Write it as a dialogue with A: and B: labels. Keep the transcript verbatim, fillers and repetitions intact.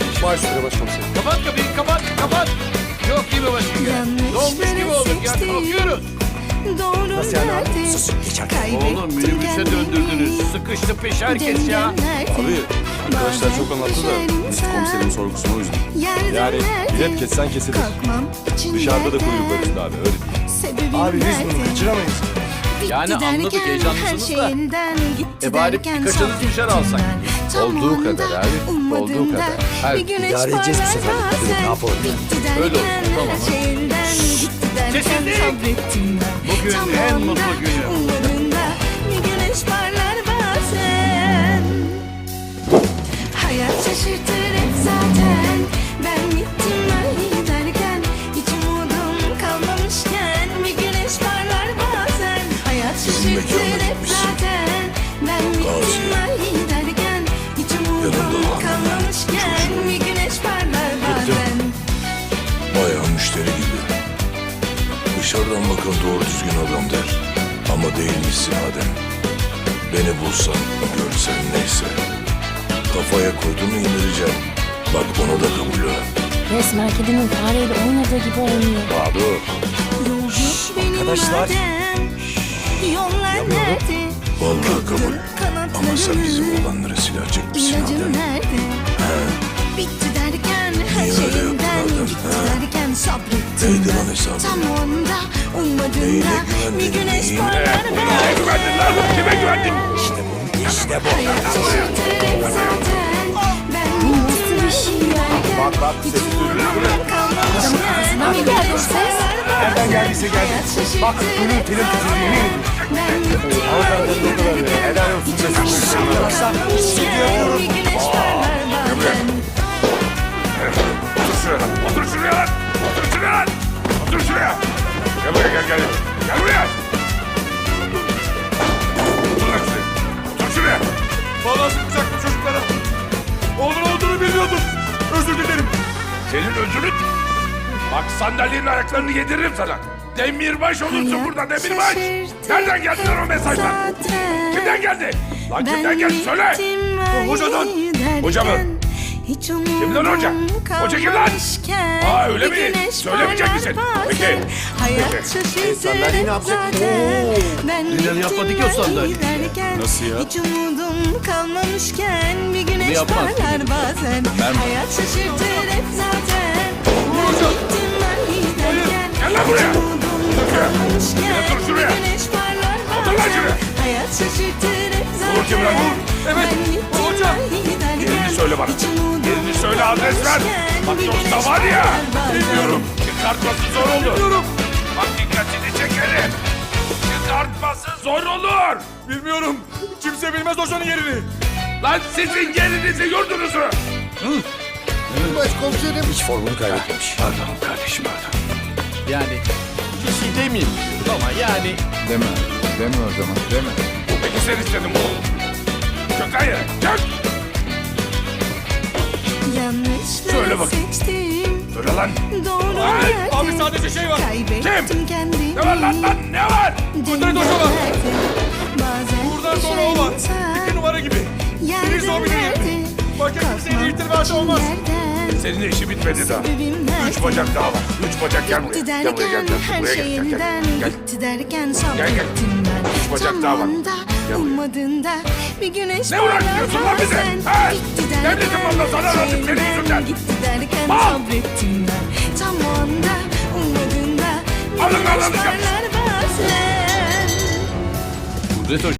A: Baş üstüne başkomiserim.
B: Kapat kapıyı, kapat, kapat. Yok gibi başım. Dolmuş gibi olduk ya, kalkıyoruz.
C: Doğru
A: Nasıl yani abi?
C: nerede?
A: Sus, geçer.
B: Oğlum minibüse döndürdünüz. Sıkıştı peş herkes ya.
A: Abi arkadaşlar çok anlattı da biz komiserin sorgusunu o yüzden. Yani bilet kessen kesilir. Dışarıda da kuyruklar üstünde abi öyle değil. Abi biz bunu kaçıramayız.
B: Yani anladık, heyecanlısınız da. E bari birkaçınız dışarı alsak.
C: Olduğu kadar abi, olduğu kadar.
B: Her
A: İdare edeceğiz bu sefer. Ne yapalım yani?
B: Öyle olsun, tamam. Kesinlik. Bugün en mutlu günüm.
C: Bir güneş parlar bazen. Hayat şaşırtır hep zaten. Ben gittim ben giderken hiç umudum kalmamışken bir güneş parlar bazen. Hayat şaşırtır hep zaten. Ben gittim ben giderken hiç umudum kalmamışken bir güneş parlar bazen.
D: Bayağı müşteri gibi. Dışarıdan bakan doğru düzgün adam der. Ama değilmişsin Adem. Beni bulsan, görsen neyse. Kafaya koyduğunu indireceğim. Bak onu da kabul et.
E: Resmen kedinin fareyle oynadığı gibi oynuyor.
D: Bahadır.
A: Arkadaşlar.
C: Yollar nerede?
D: Vallahi kabul. Ama sen bizim olanlara silah çekmişsin
C: İlacım
D: Adem.
C: nerede? Bitti derken her
D: Niye öyle
C: şeyimden
D: yaptın Adem,
C: gitti
D: ha?
C: derken sabrettim
D: Neydi lan
C: ben.
D: hesabı?
C: Tam onda ummadığımda
D: Neyine
C: bir
D: güvendin,
C: güneş
D: neyine?
C: parlar
D: Neye güvendin lan? Kime güvendin?
A: İşte bu. İşte bu.
C: Hayat şaşırtır hep zaten. Ben gittim bir şey derken
A: Bak, bak,
C: hiç
A: sesi
C: umudum kalmamışken
E: Ağzına mı geldi ses?
A: Nereden geldiyse geldi. Bak gönül telin titriğini.
C: Ben gittim
A: Hanımefendi ne kadar ya. Helal olsun. Baksana.
C: bir güneş parlar bazen.
D: Otur şuraya lan. Otur şuraya lan. Otur şuraya lan. Otur şuraya. Gel buraya gel gel. Gel buraya. Otur lan şuraya. Otur şuraya.
F: Vallahi sıkacaktım çocuklara. Oğlun olduğunu bilmiyordum. Özür dilerim.
D: Senin özürün. Bak sandalyenin ayaklarını yediririm sana. Demirbaş olursun burada demirbaş. Nereden geldi lan o mesajlar? Kimden geldi? Lan kimden geldi söyle.
F: Hocadan.
D: Hoca mı? Kim lan hoca? Hoca kim lan? Aa, öyle mi? Söylemeyecek misin? Peki.
C: Hayat
D: Peki.
C: şaşırtır
A: sandalyeyi ne yapacak? Oo.
C: Ben
B: Neden yapmadı ki o sandalyeyi?
A: Nasıl ya?
C: Hiç umudum kalmamışken bir güneş
B: yapmaz
C: parlar
B: dedim.
C: bazen.
B: Ben-
C: Hayat şaşırtır hep zaten. Ben gittim ben giderken
D: Gel lan buraya.
C: hiç umudum kalmamışken
D: Yine dur şuraya.
C: bir güneş parlar
D: Otur lan
C: bazen.
D: şuraya.
C: Hayat şaşırtır hep zaten.
D: Vur kim lan, vur.
F: Evet,
C: Ben gittim
F: hocam.
C: ben giderken
D: Yerini söyle bana.
C: hiç umudum
D: Yerini söyle, adres ver.
C: kalmamışken
D: Bak
C: bir
D: yoksa
C: güneş
D: var ya.
C: parlar bazen.
D: Bilmiyorum. Çıkartması zor olur.
F: Bilmiyorum.
D: Bak dikkatini çekerim. Çıkartması zor olur.
F: Bilmiyorum. Kimse bilmez hocanın yerini.
D: Lan sizin yerinizi yurdunuzu.
A: Başkomiserim. Hiç formunu kaybetmemiş.
D: Pardon kardeşim pardon.
B: Yani bir şey demeyeyim diyorum ama yani.
G: Deme, deme o zaman, deme.
D: Peki sen istedin bu. Çök lan yere. Çök.
C: Yanlışları
D: Söyle bakayım.
C: seçtim.
D: Söyle lan.
C: Doğru
D: Ay,
C: nerede?
F: abi sadece şey var.
C: Kaybettim
D: Kim?
C: kendimi.
D: Ne var lan lan ne var?
F: Kudret Hoca var.
C: Bazen
F: Buradan sonra o var.
C: düşen
F: İki numara gibi.
C: yerden
F: Birisi o birinin
C: nerede?
F: yerine. Başka kimseyi
C: Kalkmam
F: irtibatı olmaz.
C: için
D: Senin işi bitmedi daha.
C: sebebim
D: Üç
C: nerede?
D: bacak daha var. Üç bacak gel buraya.
C: Gitti
D: Gel buraya gel.
C: derken
D: gel.
C: her
D: Buraya gel. Gel,
C: şeyinden
D: gel. Gel.
C: gitti derken
D: gel.
C: sabrettim ben.
D: Üç bacak
C: Tam
D: daha var.
C: anda
D: Gel buraya.
C: ummadığında bir güneş
D: Ne uğraştırıyorsun lan bizi?
C: bazen.
D: Ha?
C: Gitti
D: Devletin
C: derken
D: malına zarar
C: her
D: verdim senin
C: şeyden
D: yüzünden.
C: gitti derken
D: Mal!
C: sabrettim ben. Tam o anda ummadığında bir
D: Alın lan,
C: güneş
D: alın.
C: parlar bazen.
B: Kudret Hoca.